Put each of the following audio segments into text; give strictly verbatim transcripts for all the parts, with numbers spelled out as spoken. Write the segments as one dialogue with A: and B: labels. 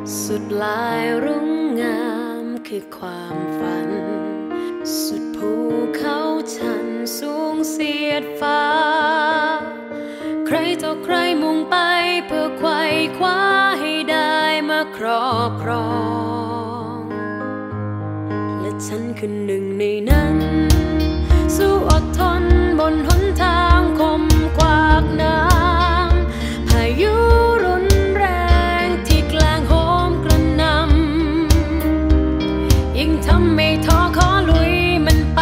A: สุดลายรุ่งงามคือความฝันสุดภูเขาชันสูงเสียดฟ้าใครต่อใครมุ่งไปเพื่อไขว่คว้าให้ได้มาครอบครองและฉันคือหนึ่งในนั้นสู้อดทนบนหนทางคมกวากน้ำพายุรุนแรงที่แกล้งโหมกระหน่ำยิ่งทำให้ท้อขอลุยมันไป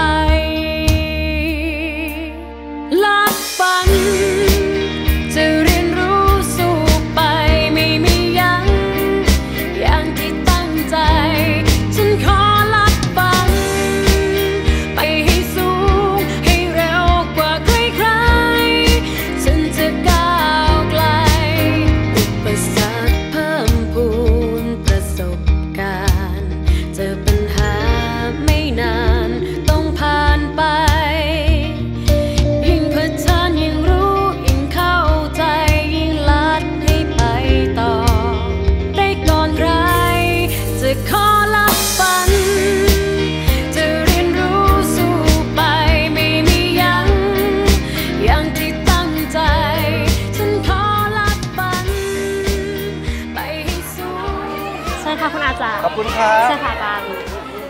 A: ลัดฝันจะเรียนรู้สู้ไปไม่มียั้งอย่างที่ตั้งใจฉันขอลัดฝันไปให้สูงให้เร็วกว่าใครๆฉันจะก้าวไกลอุปสรรคเพิ่มพูนประสบการณ์เจอปัญหาไม่นานต้องผ่านไปยิ่งเผชิญยิ่งรู้ยิ่งเข้าใจยิ่งลัดให้ไปต่อได้ก่อนใครจะขอลับฝันจะเรียนรู้สู้ไปไม่มียั้งอย่างที่ตั้งใจฉันขอลับฝันไปให้สูงใช่ค่ะคุณอาจารย์
B: ขอบคุณครับ
A: ใช่ค่ะอาจารย์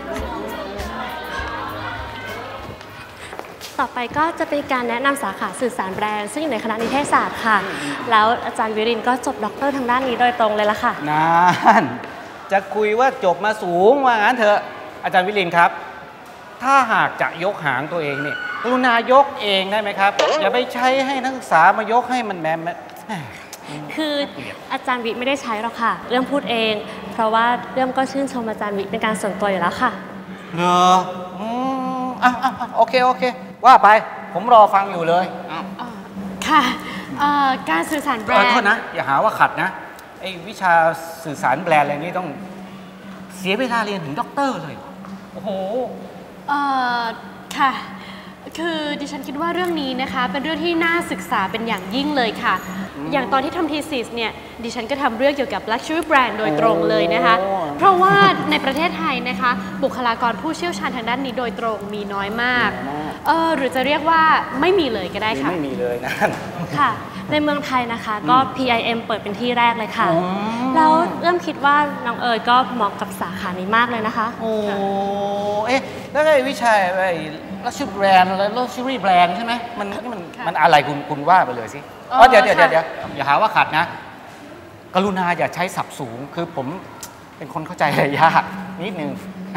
A: ต่อไปก็จะเป็นการแนะนำสาขาสื่อสารแบรนด์ซึ่งอยู่ในคณะนิเทศศาสตร์ค่ะแล้วอาจารย์วิรินทร์ก็จบด็อกเตอร์ทางด้านนี้โดยตรงเลยล่ะค่ะ
B: นั่นจะคุยว่าจบมาสูงว่างั้นเถอะอาจารย์วิรินทร์ครับถ้าหากจะยกหางตัวเองเนี่ยกรุณายกเองได้ไหมครับอย่าไปใช้ให้นักศึกษามายกให้มันแมม
A: คืออาจารย์วิไม่ได้ใช้หรอกค่ะเรื่องพูดเองเพราะว่าเรื่องก็ชื่นชมอาจารย์วิเป็นการส่วนตัวอยู่แล้วค่ะ
B: เหรออืมอ่ะอ่ะโอเคโอเคว่าไปผมรอฟังอยู่เลย
A: ค่ะการสื่อสารแบรนด์
B: โทษนะอย่าหาว่าขัดนะไอ้วิชาสื่อสารแบรนด์อะไรนี่ต้องเสียเวลาเรียนถึงด็อกเตอร์เลยโอ้โห
C: เอ่อค่ะคือดิฉันคิดว่าเรื่องนี้นะคะเป็นเรื่องที่น่าศึกษาเป็นอย่างยิ่งเลยค่ะอย่างตอนที่ทำทีซิสเนี่ยดิฉันก็ทำเรื่องเกี่ยวกับ Luxury Brand โดยตรงเลยนะคะเพราะว่าในประเทศไทยนะคะบุคลากรผู้เชี่ยวชาญทางด้านนี้โดยตรงมีน้อยมากเออหรือจะเรียกว่าไม่มีเลยก็ได้ค่ะ
B: ไม่มีเลยนะ
A: ค่ะในเมืองไทยนะคะก็ พี ไอ เอ็ม เปิดเป็นที่แรกเลยค่ะแล้วเริ่มคิดว่าน้องเอ๋ยก็เหมาะกับสาขานี้มากเลยนะคะ
B: โอ้เอ๊ะแล้วไอ้วิชาไอ้Luxury Brand อะไร Luxury Brand ใช่ไหมมันมันมันอะไรคุณคุณว่าไปเลยสิอ๋อเดี๋ยวเดี๋ยวเดี๋ยวอย่าหาว่าขัดนะกรุณาอย่าใช้ศัพท์สูงคือผมเป็นคนเข้าใจอะไรยากนิดนึง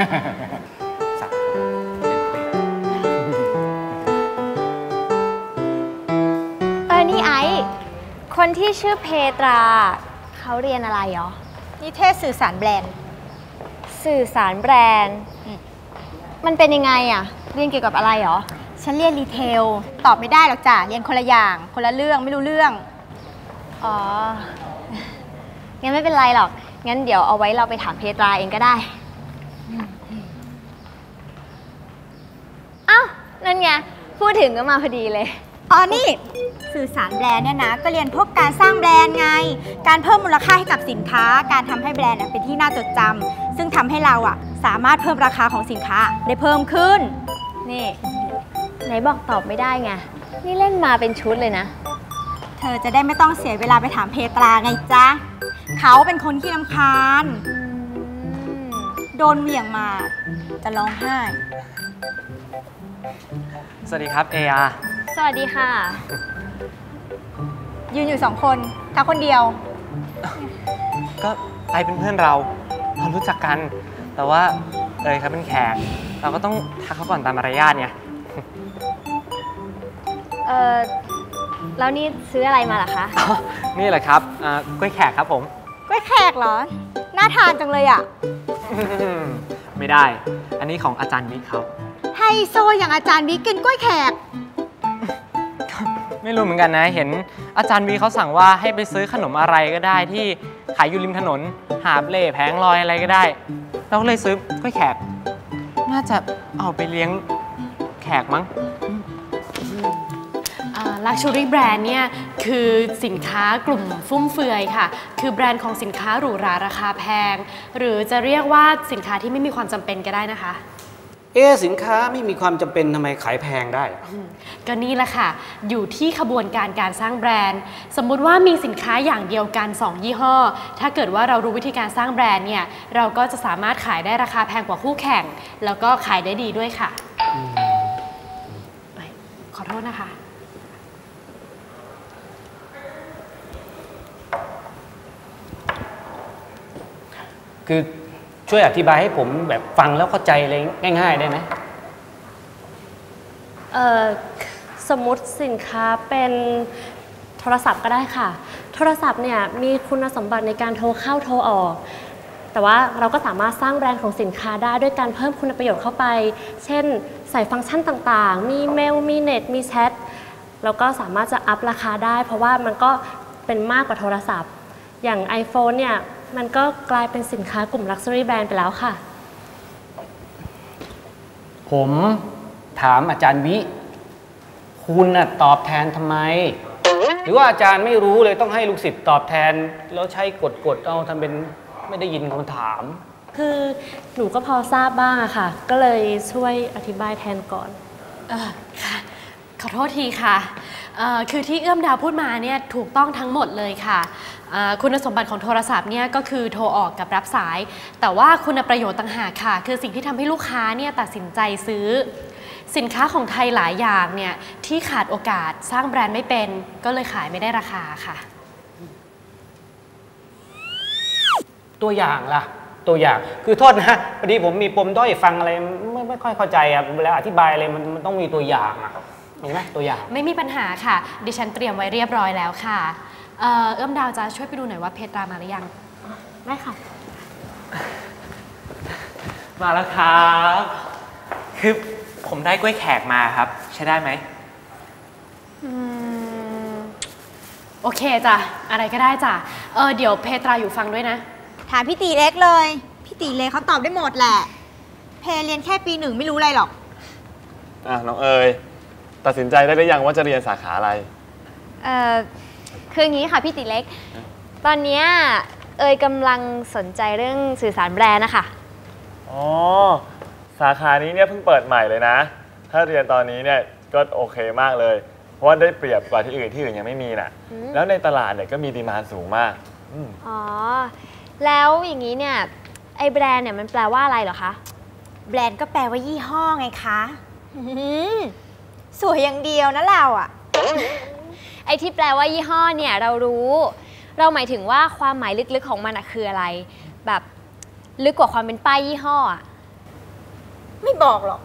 D: เออนี่ไอคนที่ชื่อเพตราเขาเรียนอะไรเหรอ
E: นิเทศสื่อสารแบรนด์
D: สื่อสารแบรนด์มันเป็นยังไงอะเรียนเกี่ยวกับอะไรเหรอ
E: ฉันเรียนรีเทลตอบไม่ได้หรอกจ้ะเรียนคนละอย่างคนละเรื่องไม่รู้เรื่อง
D: อ๋องั้นไม่เป็นไรหรอกงั้นเดี๋ยวเอาไว้เราไปถามเพตราเองก็ได้อ้าวนั่นไงพูดถึงก็มาพอดีเลย
E: อ๋อนี่สื่อสารแบรนด์เนี่ยนะก็เรียนพวกการสร้างแบรนด์ไงการเพิ่มมูลค่าให้กับสินค้าการทำให้แบรนด์เป็นที่น่าจดจำซึ่งทำให้เราอะสามารถเพิ่มราคาของสินค้าได้เพิ่มขึ้น
D: นี่ไหนบอกตอบไม่ได้ไงนี่เล่นมาเป็นชุดเลยนะ
E: เธอจะได้ไม่ต้องเสียเวลาไปถามเพตราไงจ๊ะเขาเป็นคนขี้รำคาญโดนเหวี่ยงมาจะร้องไห้
F: สวัสดีครับเออา
D: สวัสดีค่ะ
E: ยืนอยู่สองคนเขาคนเดียว
F: ก็ไอเป็นเพื่อนเราเรารู้จักกันแต่ว่าเอยครับเป็นแขกเราก็ต้องทักเขาก่อนตามมารยาทไง
D: เออแล้วนี่ซื้ออะไรมาล่ะคะ
F: นี่แหละครับกล้วยแขกครับผม
E: กล้วยแขกเหรอน่าทานจังเลยอ่ะ
F: ไม่ได้อันนี้ของอาจารย์บิ๊กเขา
E: ไฮโซอย่างอาจารย์บิ๊กกินกล้วยแขก
F: ไม่รู้เหมือนกันนะเห็นอาจารย์บิ๊กเขาสั่งว่าให้ไปซื้อขนมอะไรก็ได้ที่ขายอยู่ริมถนนหาบเล่แผงลอยอะไรก็ได้เราก็เลยซื้อกล้วยแขกน่าจะเอาไปเลี้ยงแขกมั้ง
C: ลั Luxury Brand เนี่ยคือสินค้ากลุ่มฟุ่มเฟือยค่ะคือแบรนด์ของสินค้าหรูหราราคาแพงหรือจะเรียกว่าสินค้าที่ไม่มีความจำเป็นก็ได้นะคะ
B: เอ๊ะสินค้าไม่มีความจำเป็นทำไมขายแพงได้
C: ก็นี่แหละค่ะอยู่ที่ขบวนการการสร้างแบรนด์สมมุติว่ามีสินค้าอย่างเดียวกันสองยี่ห้อถ้าเกิดว่าเรารู้วิธีการสร้างแบรนด์เนี่ยเราก็จะสามารถขายได้ราคาแพงกว่าคู่แข่งแล้วก็ขายได้ดีด้วยค่ะขอโทษนะคะ
B: คือช่วยอธิบายให้ผมแบบฟังแล้วเข้าใจเลยง่ายๆได้ไหม
G: เอ่อสมมุติสินค้าเป็นโทรศัพท์ก็ได้ค่ะโทรศัพท์เนี่ยมีคุณสมบัติในการโทรเข้าโทรออกแต่ว่าเราก็สามารถสร้างแบรนด์ของสินค้าได้ด้วยการเพิ่มคุณประโยชน์เข้าไปเช่นใส่ฟังก์ชันต่างๆมีเมลมีเน็ตมีแชทแล้วก็สามารถจะอัพราคาได้เพราะว่ามันก็เป็นมากกว่าโทรศัพท์อย่าง iPhone เนี่ยมันก็กลายเป็นสินค้ากลุ่ม Luxury Brand ไปแล้วค่ะ
B: ผมถามอาจารย์วิคุณน่ะตอบแทนทำไมหรือว่าอาจารย์ไม่รู้เลยต้องให้ลูกศิษย์ตอบแทนแล้วใช้กดๆเอาทำเป็นไม่ได้ยินคำถาม
G: คือหนูก็พอทราบบ้างอะค่ะก็เลยช่วยอธิบายแทนก่อน
C: เออค่ะขอโทษทีค่ะคือที่เอื้อมดาวพูดมาเนี่ยถูกต้องทั้งหมดเลยค่ะคุณสมบัติของโทรศัพท์เนี่ยก็คือโทรออกกับรับสายแต่ว่าคุณประโยชน์ต่างหากค่ะคือสิ่งที่ทำให้ลูกค้าเนี่ยตัดสินใจซื้อสินค้าของไทยหลายอย่างเนี่ยที่ขาดโอกาสสร้างแบรนด์ไม่เป็นก็เลยขายไม่ได้ราคาค่ะ
B: ตัวอย่างล่ะตัวอย่างคือโทษนะพอดีผมมีปมด้อยฟังอะไรไม่ไม่ค่อยเข้าใจอ่ะเวลาอธิบายอะไรมันมันต้องมีตัวอย่างอ่ะมีไหมตัวอย่าง
C: ไม่มีปัญหาค่ะดิฉันเตรียมไว้เรียบร้อยแล้วค่ะเอื้อมดาวจะช่วยไปดูหน่อยว่าเพตรามาหรือยัง
G: ได้ค่ะ
F: มาแล้วครับคือผมได้กล้วยแขกมาครับใช้ได้ไหม
C: อืมโอเคจ้ะอะไรก็ได้จ้ะเออเดี๋ยวเพตราอยู่ฟังด้วยนะ
E: ถามพี่ตีเล็กเลยพี่ตีเล็กเขาตอบได้หมดแหละเพเรียนแค่ปีหนึ่งไม่รู้อะไรหรอก
H: อ่ะน้องเอ๋ยตัดสินใจได้หรือยังว่าจะเรียนสาขาอะไร
D: เอ่อคืออย่างนี้ค่ะพี่ตีเล็กตอนนี้เอ๋ยกำลังสนใจเรื่องสื่อสารแบรนด์นะคะ
H: อ๋อสาขานี้เนี่ยเพิ่งเปิดใหม่เลยนะถ้าเรียนตอนนี้เนี่ยก็โอเคมากเลยเพราะว่าได้เปรียบกว่าที่อื่นที่อื่นยังไม่มีน่ะแล้วในตลาดเนี่ยก็มีดีมานด์สูงมาก
D: อ๋อแล้วอย่างนี้เนี่ยไอแบรนด์เนี่ยมันแปลว่าอะไรเหรอคะ
E: แบรนด์ก็แปลว่ายี่ห้อไงคะสวยอย่างเดียวนะเราอะ
D: ไอที่แปลว่ายี่ห้อเนี่ยเรารู้เราหมายถึงว่าความหมายลึกๆของมันอะคืออะไรแบบลึกกว่าความเป็นป้ายยี่ห้ออะ
E: ไม่บอกหรอก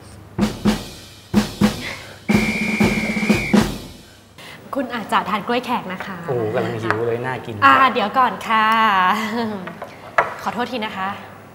C: คุณอาจจะทานกล้วยแขกนะคะ
B: โอ้กำลังหิวเลยน่ากิน
C: อ่าเดี๋ยวก่อนค่ะขอโทษทีนะคะ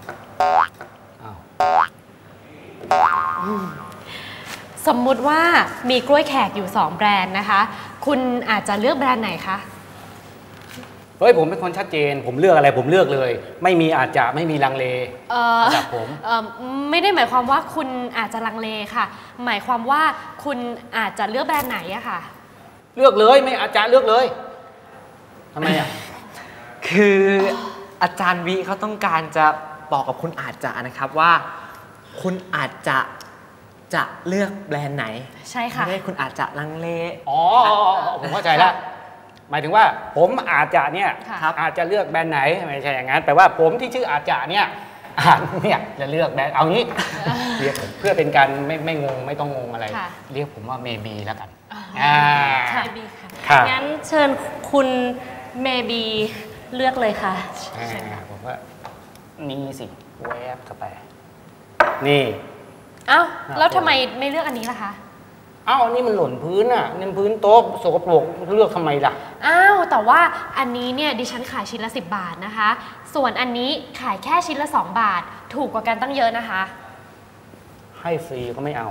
C: สมมุติว่ามีกล้วยแขกอยู่สองแบรนด์นะคะคุณอาจจะเลือกแบรนด์ไหนคะ
B: เฮ้ยผมเป็นคนชัดเจนผมเลือกอะไรผมเลือกเลยไม่มีอาจจะไม่มีลังเลจากผม
C: ไม่ได้หมายความว่าคุณอาจจะลังเลค่ะหมายความว่าคุณอาจจะเลือกแบรนด์ไหนอะค่ะ
B: เลือกเลยไม่อาจารย์เลือกเลยทำไมอ่ะ
F: คืออาจารย์วิเขาต้องการจะบอกกับคุณอาจจะนะครับว่าคุณอาจจะจะเลือกแบรนด์ไหน
C: ใช่ค่ะ
F: ไม่ได้คุณอาจจะลังเล
B: อ๋อผมเข้าใจแล้วหมายถึงว่าผมอาจจะเนี่ยอาจจะเลือกแบรนด์ไหนไม่ใช่อย่างนั้นแต่ว่าผมที่ชื่ออาจจะเนี่ยอาจเนี่ยจะเลือกแบรนด์เอางี้เรียกเพื่อเป็นการไม่ไม่งงไม่ต้องงงอะไรเรียกผมว่าเมบีแล้วกัน
G: อ่าค่ะงั้นเชิญคุณเมบีเลือกเลยค่ะ
B: ผมว่านี่สิแวบเข้าไปนี่
C: เอ้าแล้วทำไมไม่เลือกอันนี้ล่ะคะ
B: อ้าวอันนี้มันหล่นพื้นอ่ะนี่พื้นโต๊ะสกปรกเลือกทำไมล่ะ
C: อ้าวแต่ว่าอันนี้เนี่ยดิฉันขายชิ้นละสิบบาทนะคะส่วนอันนี้ขายแค่ชิ้นละสองบาทถูกกว่ากันตั้งเยอะนะคะ
B: ให้ฟรีก็ไม่เอา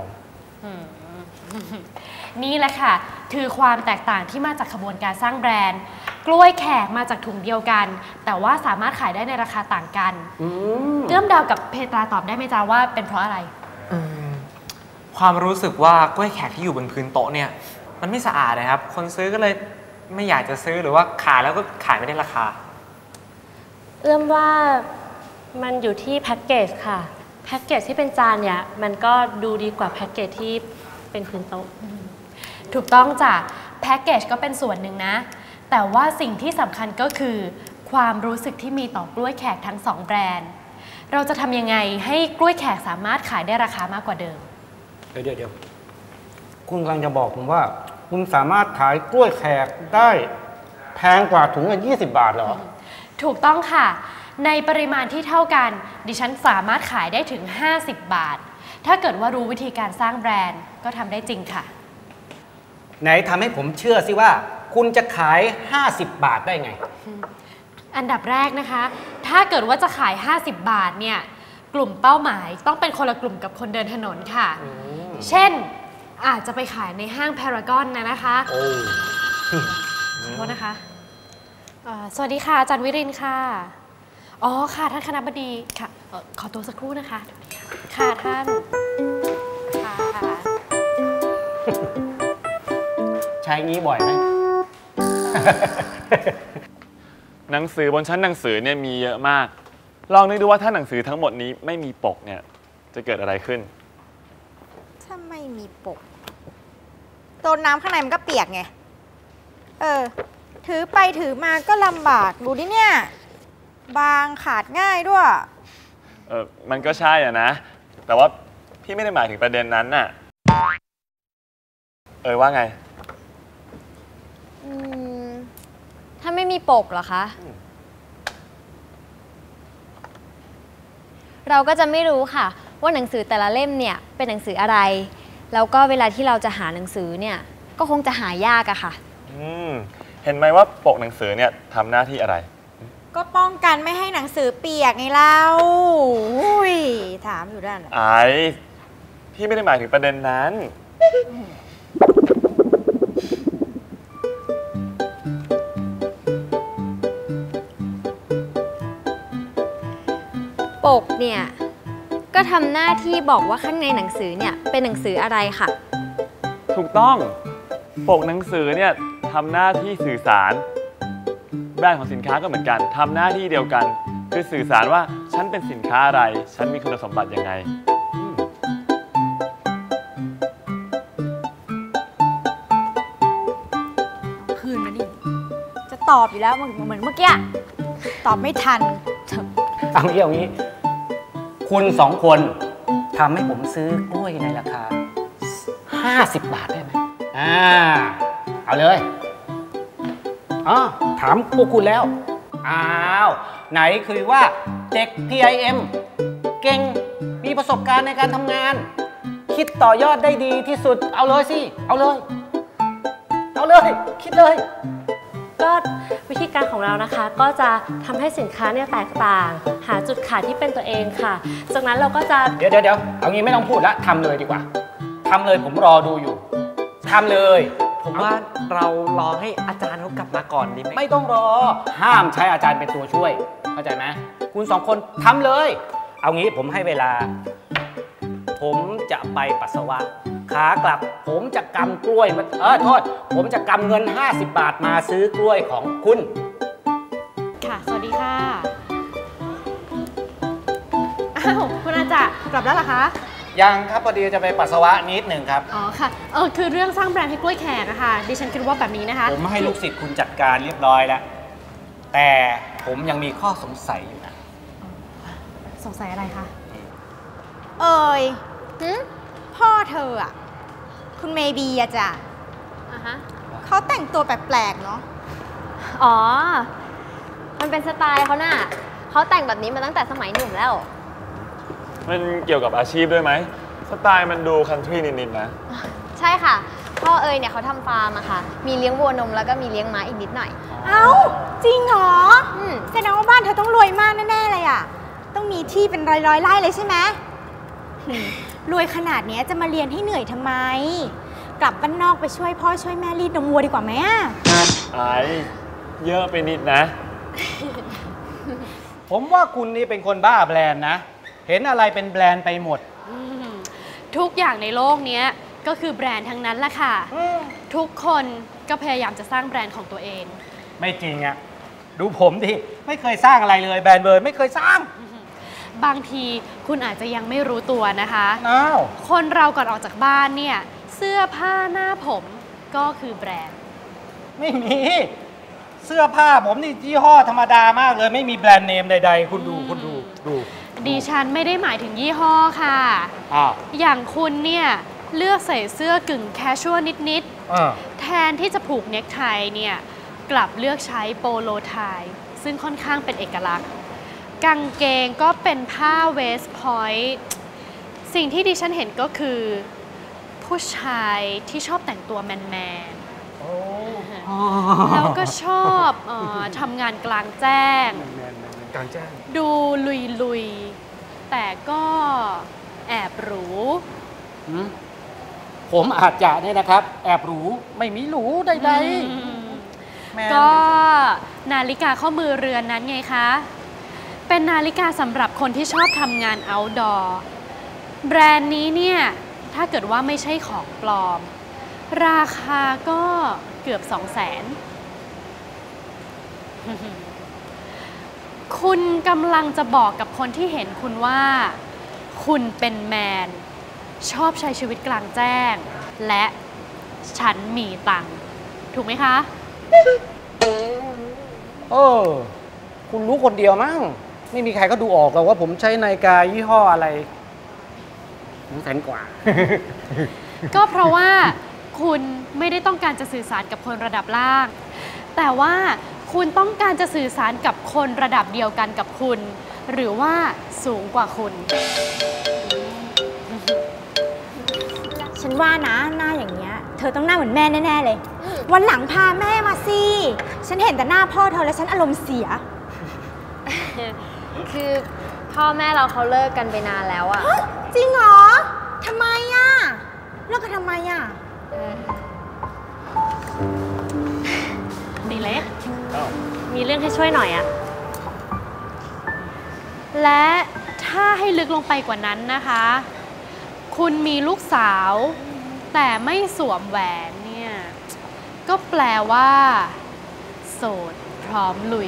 C: นี่แหละค่ะคือความแตกต่างที่มาจากขบวนการสร้างแบรนด์กล้วยแขกมาจากถุงเดียวกันแต่ว่าสามารถขายได้ในราคาต่างกันเอื้อมดาวกับเพตราตอบได้ไหมจ๊ะว่าเป็นเพราะอะไร
F: ความรู้สึกว่ากล้วยแขกที่อยู่บนพื้นโต๊ะเนี่ยมมันไม่สะอาดนะครับคนซื้อก็เลยไม่อยากจะซื้อหรือว่าขายแล้วก็ขายไม่ได้ราคา
G: เอื้อมว่ามันอยู่ที่แพ็กเกจค่ะแพ็กเกจที่เป็นจานเนี่ยมันก็ดูดีกว่าแพ็กเกจที่เป็นพื้นโต๊ะ
C: ถูกต้องจ้ะแพ็กเกจก็เป็นส่วนหนึ่งนะแต่ว่าสิ่งที่สำคัญก็คือความรู้สึกที่มีต่อกล้วยแขกทั้งสองแบรนด์เราจะทำยังไงให้กล้วยแขกสามารถขายได้ราคามากกว่าเดิม
B: เดี๋ยวเดี๋ยวคุณกำลังจะบอกผมว่าคุณสามารถขายกล้วยแขกได้แพงกว่าถุงละยี่สิบบาทเหรอ
C: ถูกต้องค่ะในปริมาณที่เท่ากันดิฉันสามารถขายได้ถึงห้าสิบบาทถ้าเกิดว่ารู้วิธีการสร้างแบรนด์ก็ทำได้จริงค่ะ
B: ไหนทำให้ผมเชื่อสิว่าคุณจะขายห้าสิบบาทได้ไง
C: อันดับแรกนะคะถ้าเกิดว่าจะขายห้าสิบบาทเนี่ยกลุ่มเป้าหมายต้องเป็นคนละกลุ่มกับคนเดินถนนค่ะเช่นอาจจะไปขายในห้างพารากอนนะนะคะโอ้ขอโทษนะคะสวัสดีค่ะอาจารย์วิรินทร์ค่ะอ๋อค่ะท่านคณบดีค่ะขอตัวสักครู่นะคะค่ะท่านค่ะ
B: ใช้งี้บ่อยไหม
H: หนังสือบนชั้นหนังสือเนี่ยมีเยอะมากลองนึกดูว่าถ้าหนังสือทั้งหมดนี้ไม่มีปกเนี่ยจะเกิดอะไรขึ้น
E: ถ้าไม่มีปกโดนน้ำข้างในมันก็เปียกไงเออถือไปถือมาก็ลำบากดูดิเนี่ยบางขาดง่ายด้วย
H: เออมันก็ใช่อ่ะนะแต่ว่าพี่ไม่ได้หมายถึงประเด็นนั้นน่ะเออว่าไง
D: อืมถ้าไม่มีปกเหรอคะเราก็จะไม่รู้ค่ะว่าหนังสือแต่ละเล่มเนี่ยเป็นหนังสืออะไรแล้วก็เวลาที่เราจะหาหนังสือเนี่ยก็คงจะหายากอะค่ะ
H: อืมเห็นไหมว่าปกหนังสือเนี่ยทำหน้าที่อะไร
E: ก็ป้องกันไม่ให้หนังสือเปียกไงเล่าอุ้ยถามอยู่ด้าน
H: ไอ้พี่ไม่ได้หมายถึงประเด็นนั้น
D: ปกเนี่ยก็ทำหน้าที่บอกว่าข้างในหนังสือเนี่ยเป็นหนังสืออะไรค่ะ
H: ถูกต้องปกหนังสือเนี่ยทำหน้าที่สื่อสารแบรนด์ของสินค้าก็เหมือนกันทำหน้าที่เดียวกันคือสื่อสารว่าฉันเป็นสินค้าอะไรฉันมีคุณสมบัติยังไง
E: คืนมาดิจะตอบอยู่แล้วเหมือนเมื่อกี้ตอบไม่ทัน
B: เอางี้เอางี้คุณสองคนทำให้ผมซื้อกล้วยในราคาห้าสิบบาทได้ไหมอ่าเอาเลยอ๋อถามพวกคุณแล้วอ้าวไหนคือว่าเด็ก พี ไอ เอ็ม เก่งมีประสบการณ์ในการทำงานคิดต่อยอดได้ดีที่สุดเอาเลยสิเอาเลยเอาเลยคิดเลย
G: ก็วิธีการของเรานะคะก็จะทำให้สินค้าเนี่ยแตกต่างหาจุดขายที่เป็นตัวเองค่ะจากนั้นเราก็จะ
B: เดี๋ยวเดี๋ยวเดี๋ยวเอางี้ไม่ต้องพูดละทำเลยดีกว่าทำเลยผมรอดูอยู่ทำเลย
F: ผมว่าเรารอให้อาจารย์เขากลับมาก่อนดีไหม
B: ไม่ต้องรอห้ามใช้อาจารย์เป็นตัวช่วยเข้าใจไหมคุณสองคนทำเลยเอางี้ผมให้เวลาผมจะไปปัสสาวะขากลับผมจะกำกล้วยมาเออโทษผมจะกำเงินห้าสิบบาทมาซื้อกล้วยของคุณ
C: ค่ะสวัสดีค่ะอ้าวคุณอาจารย์กลับแล้วเหรอคะ
B: ยังครับพอดีจะไปปัสสาวะนิดหนึ่งครับ
C: อ๋อค่ะเออคือเรื่องสร้างแบรนด์ให้กล้วยแขกอะค่ะดิฉันคิดว่าแบบนี้นะคะ
B: ผมให้ลูกศิษย์คุณจัดการเรียบร้อยแล้วแต่ผมยังมีข้อสงสัยอยู่นะ
C: สงสัยอะไรคะ
E: เอ่ยพ่อเธออะคุณเมบีอะจ้ะอ่ะฮะเขาแต่งตัวแปลกๆเนาะ
D: อ๋อมันเป็นสไตล์เขาน่ะเขาแต่งแบบนี้มาตั้งแต่สมัยหนุ่มแล้ว
H: มันเกี่ยวกับอาชีพด้วยไหมสไตล์มันดูคันทรีนิดๆนะ
D: ใช่ค่ะพ่อเอ๋ยเนี่ยเขาทำฟาร์มอะค่ะมีเลี้ยงวัวนมแล้วก็มีเลี้ยงม้าอีกนิดหน่อย
E: เอ้าจริงเหรอแสดงว่าบ้านเธอต้องรวยมากแน่ๆเลยอะต้องมีที่เป็นร้อยๆไร่เลยใช่ไหมรวยขนาดนี้จะมาเรียนให้เหนื่อยทำไมกลับบ้านนอกไปช่วยพ่อช่วยแม่รีดนมวัวดีกว่าไหมอะ
H: ไอ้เยอะไปนิดนะ
B: ผมว่าคุณนี่เป็นคนบ้าแบรนด์นะเห็นอะไรเป็นแบรนด์ไปหมด
C: ทุกอย่างในโลกนี้ก็คือแบรนด์ทั้งนั้นแหละค่ะ ทุกคนก็พยายามจะสร้างแบรนด์ของตัวเอง
B: ไม่จริงอะดูผมดิไม่เคยสร้างอะไรเลยแบรนด์เบิร์นไม่เคยสร้าง
C: บางทีคุณอาจจะยังไม่รู้ตัวนะคะ
B: อ้าว
C: คนเราก่อนออกจากบ้านเนี่ยเสื้อผ้าหน้าผมก็คือแบรนด์
B: ไม่มีเสื้อผ้าผมนี่ยี่ห้อธรรมดามากเลยไม่มีแบรนด์เนมใดๆคุณดูคุณดูดู
C: ดิฉันไม่ได้หมายถึงยี่ห้อค่ะอ้าวอย่างคุณเนี่ยเลือกใส่เสื้อกึ่งแคชชวลนิดๆแทนที่จะผูกเนคไทเนี่ยกลับเลือกใช้โปโลไทซึ่งค่อนข้างเป็นเอกลักษณ์กางเกงก็เป็นผ้าเวสต์พอยต์สิ่งที่ดิฉันเห็นก็คือผู้ชายที่ชอบแต่งตัวแมนๆแล้วก็ชอบเอ่อทำงานกลางแจ้ง
B: กลางแจ้ง
C: ดูลุยๆแต่ก็แอบหรู
B: ผมอาจจะเนี่ยนะครับแอบหรูไม่มีหรูใดๆ
C: ก็นาฬิกาข้อมือเรือนนั้นไงคะเป็นนาฬิกาสำหรับคนที่ชอบทำงาน outdoor แบรนด์นี้เนี่ยถ้าเกิดว่าไม่ใช่ของปลอมราคาก็เกือบสองแสนคุณกำลังจะบอกกับคนที่เห็นคุณว่าคุณเป็นแมนชอบใช้ชีวิตกลางแจ้งและฉันมีตังค์ถูกไหมคะ
B: เออคุณรู้คนเดียวมั้งไม่มีใครก็ดูออกหรอกว่าผมใช้นาฬิกายี่ห้ออะไรแสนกว่า
C: ก็เพราะว่าคุณไม่ได้ต้องการจะสื่อสารกับคนระดับล่างแต่ว่าคุณต้องการจะสื่อสารกับคนระดับเดียวกันกับคุณหรือว่าสูงกว่าคุณ
E: ฉันว่านะหน้าอย่างเงี้ยเธอต้องหน้าเหมือนแม่แน่ๆเลยวันหลังพาแม่มาสิฉันเห็นแต่หน้าพ่อเธอแล้วฉันอารมณ์เสีย
D: คือพ่อแม่เราเขาเลิกกันไปนานแล้วอะ
E: จริงเหรอทำไมอะเลิกกันทำไมอะ
C: ดีเล็ก
G: มีเรื่องให้ช่วยหน่อยอะ
C: และถ้าให้ลึกลงไปกว่านั้นนะคะคุณมีลูกสาวแต่ไม่สวมแหวนเนี่ยก็แปลว่าโสดพร้อมลุย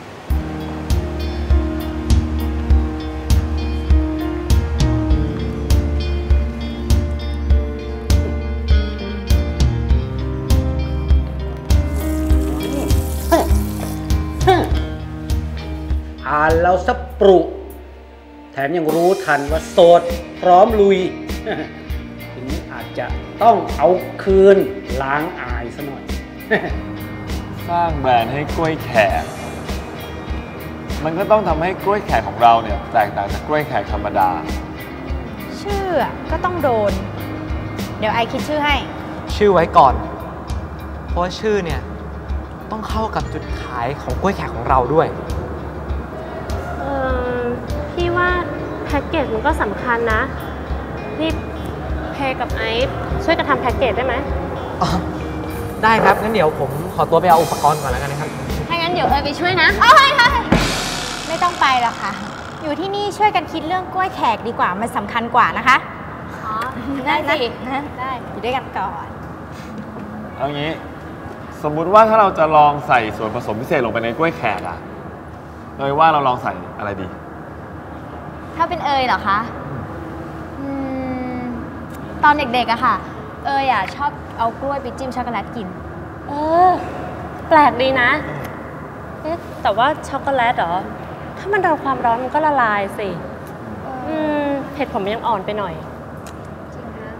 B: อ่านเราสับปรุแถมยังรู้ทันว่าโสดพร้อมลุยทีนี้อาจจะต้องเอาคืนล้างอายซะหน่อย
H: สร้างแบรนด์ให้กล้วยแขกมันก็ต้องทำให้กล้วยแขกของเราเนี่ยแตกต่างจากกล้วยแขกธรรมดา
E: ชื่อก็ต้องโดนเดี๋ยวไอคิดชื่อให้
F: ชื่อไว้ก่อนเพราะชื่อเนี่ยต้องเข้ากับจุดขายของกล้วยแขกของเราด้วย
G: เออพี่ว่าแพ็กเกจมันก็สำคัญนะนี่เพกับไอซ์ช่วยกันทำแพ็กเกจได้ไหม
F: อ๋อได้ครับงั้นเดี๋ยวผมขอตัวไปเอาอุปกรณ์ก่อนแล้วกันนะครับ
D: ถ้างั้นเดี๋ยวเอไปช่วยนะ
E: โอ้ยไม่ต้องไปหรอกค่ะอยู่ที่นี่ช่วยกันคิดเรื่องกล้วยแขกดีกว่ามันสำคัญกว่านะคะ
D: อ๋อได้สิ
E: ได้อยู่ด้วยกันก่อน
H: เอางี้สมมุติว่าถ้าเราจะลองใส่ส่วนผสมพิเศษลงไปในกล้วยแขกอะเลยว่าเราลองใส่อะไรดี
D: ถ้าเป็นเอยเหรอคะอืมตอนเด็กๆอะค่ะเอยอะชอบเอากล้วยไปจิ้มช็อกโกแลตกิน
G: เออแปลกดีนะเอ๊ะแต่ว่าช็อกโกแลตเหรอถ้ามันโดนความร้อนมันก็ละลายสิอืมเห็ดผมยังอ่อนไปหน่อย
D: จริงนะ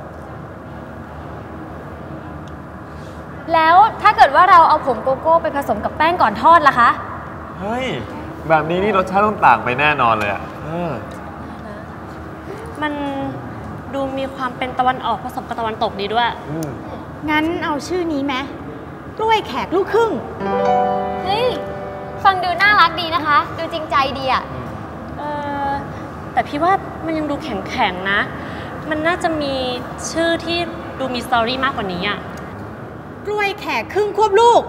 D: แล้วถ้าเกิดว่าเราเอาผงโกโก้ไปผสมกับแป้งก่อนทอดล่ะคะ
H: เฮ้ยแบบนี้นี่รสชาติต้องต่างไปแน่นอนเลยอะ
G: มันดูมีความเป็นตะวันออกผสมกับตะวันตกดีด้วย
E: งั้นเอาชื่อนี้ไหมกล้วยแขกลูกครึ่ง
D: เฮ้ยฟังดูน่ารักดีนะคะดูจริงใจดีอะ
G: เออแต่พี่ว่ามันยังดูแข็งๆนะมันน่าจะมีชื่อที่ดูมีสตอรี่มากกว่านี้อะ
E: กล้วยแขกครึ่งควบลูก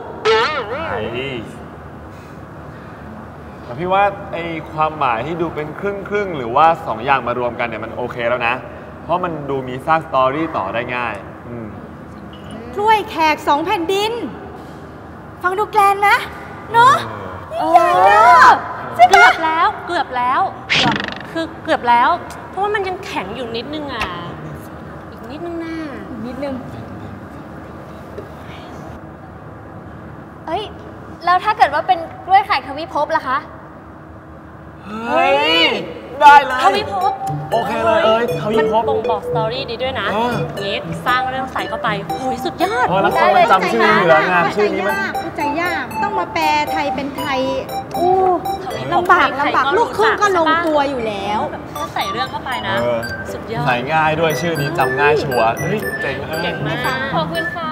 H: แต่พี่ว่าไอ้ความหมายที่ดูเป็นครึ่งครึ่งหรือว่าสองอย่างมารวมกันเนี่ยมันโอเคแล้วนะเพราะมันดูมีสร้างสตอรี่ต่อได้ง่ายอืม
E: กล้วยแขกสองแผ่นดิน ฟังดูแกลนไหมเนาะ
G: เออเกือบแล้วเกือบแล้วเกือบคือเกือบแล้ว เพราะว่ามันยังแข็งอยู่นิดนึงอ่ะอีกนิดนึงน่านิดนึง
D: เอ้ย แล้วถ้าเกิดว่าเป็นกล้วยไข่ทวิภพล่ะคะ
H: เฮ้ย ได้เลย
G: ทวิภพ
H: โอเคเลยเอ้ยทวิภพ
G: มันบ่งบอกสตอรี่ดีด้วยนะ
H: เออ
G: งี้สร้างเรื่องใส่เข้าไปโอ้ยสุดยอด
H: โอ้แล้วคนมันจำชื่อเหลืองามชื่อนี้มัน
E: เข้าใจยากต้องมาแปลไทยเป็นไทยอู้ลำบากลำบากลูกครึ่งก็ลงตัวอยู่แล้ว
G: ถ้าใส่เรื่องเข้าไปนะ
H: เออ
G: สุดยอด
H: ใส่ง่ายด้วยชื่อนี้จำง่ายชัวร์เฮ้ยเจ๋งเออ
G: เก่งมาก
D: ขอบคุณค่ะ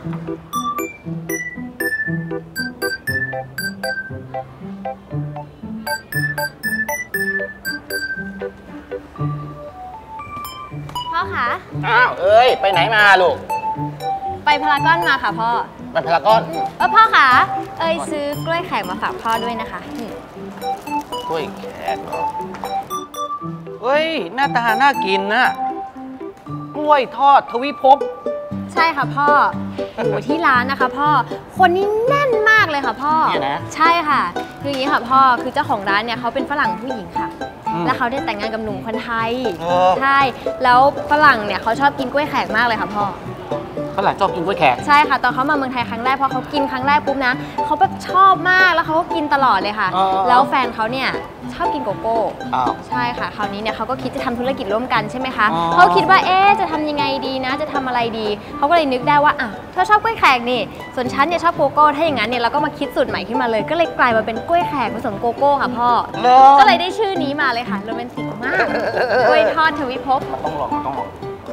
D: พ่อคะ
B: อ้าวเอ้ยไปไหนมาลูก
D: ไปพารากอนมาค่ะพ่อ
B: ไปพารากอน
D: เออพ่อคะเอ้ยซื้อกล้วยไข่มาฝากพ่อด้วยนะคะอืม
B: กล้วยแขกเหรอเฮ้ยหน้าตาน่ากินนะกล้วยทอดทวิภพ
D: ใช่ค่ะพ่อโอ้โหที่ร้านนะคะพ่อ คนนี้แน่นมากเลยค่ะพ่อ
B: เนี่ยนะ
D: ใช่ค่ะ คืออย่างนี้ค่ะพ่อ คือเจ้าของร้านเนี่ยเขาเป็นฝรั่งผู้หญิงค่ะ
B: อืม
D: แล้วเขาได้แต่งงานกับหนุ่มคนไทย
B: เออ
D: ใช่ แล้วฝรั่งเนี่ยเขาชอบกินกล้วยแขกมากเลยค่ะพ่อ
B: ฝรั่งชอบกินกล้วยแขก
D: ใช่ค่ะ ตอนเขามาเมืองไทยครั้งแรกพอเขากินครั้งแรกปุ๊บนะเขาแบบชอบมากแล้วเขาก็กินตลอดเลยค่ะ
B: อ๋อ
D: แล้วแฟนเขาเนี่ยชอบกินโกโก้
B: อ้าว
D: ใช่ค่ะ คราวนี้เนี่ยเขาก็คิดจะทำธุรกิจร่วมกันใช่ไหมคะ
B: อ๋อ
D: เขาคิดว่าเอ๊ะจะทำยังไงดีนะ จะทำอะไรดีเขาก็เลยนึกได้ว่าอ่ะเธอชอบกล้วยแขกนี่ส่วนฉันเนี่ยชอบโกโก้ถ้าอย่างนั้นเนี่ยเราก็มาคิดสูตรใหม่ขึ้นมาเลย ก็เลยกลายมาเป็นกล้วยแขกผสมโกโก้ค่ะพ่อ
B: เหรอ
D: ก็เลยได้ชื่อนี้มาเลยค่ะโรแมนติกมากกล้วยทอดทวิภพ
B: มันต้องลองมันต้องลอง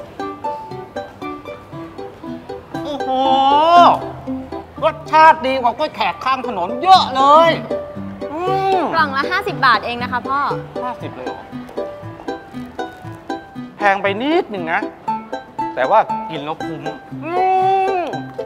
B: โอ้โหรสชาติดีกว่ากล้วยแขกข้างถนนเยอะเลยอืม
D: กล่องละห้าสิบบาทเองนะคะพ่อ
B: ห้าสิบเลยเหรอแพงไปนิดหนึ่งนะ แต่ว่ากินแล้วคุ้มอืม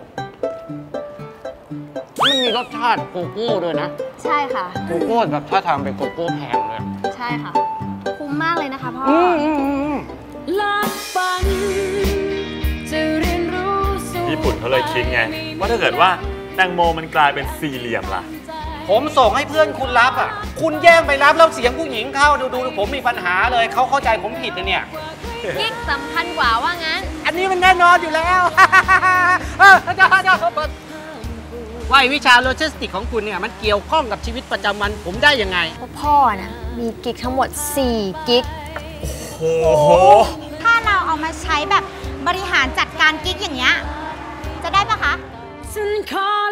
B: มันมีรสชาติโกโก้ด้วยนะ
D: ใช่ค่ะ
B: โกโก้แบบถ้าทางเป็นโกโก้แพงเลย
D: ใช่ค่ะ คุ้มมากเลยนะคะพ่อ
B: อืมอืมอืม
A: ลักฝันจะเรียนรู้สู่
H: ญี่ปุ่นเขาเลยคิดไง ว่าถ้าเกิดว่าแตงโมมันกลายเป็นสี่เหลี่ยมล่ะ
B: ผมส่งให้เพื่อนคุณรับอ่ะ คุณแย่งไปรับแล้วเสียงผู้หญิงเข้าดูดูผมมีปัญหาเลย เขาเข้าใจผมผิดนะเนี่ย
D: กิ๊กสำคัญกว่าว่างั้น
B: อันนี้มันแน่นอนอยู่แล้ว เออเดี๋ยวเดี๋ยวว่าวิชาโลจิสติกของคุณเนี่ยมันเกี่ยวข้องกับชีวิตประจำวันผมได้ยังไง
D: พ่อนะมีกิ๊กทั้งหมดสี่กิ๊ก
H: โอ้โห
E: ถ้าเราเอามาใช้แบบบริหารจัดการกิ๊กอย่างเงี้ยจะได้ปะคะ
A: ฉันขอ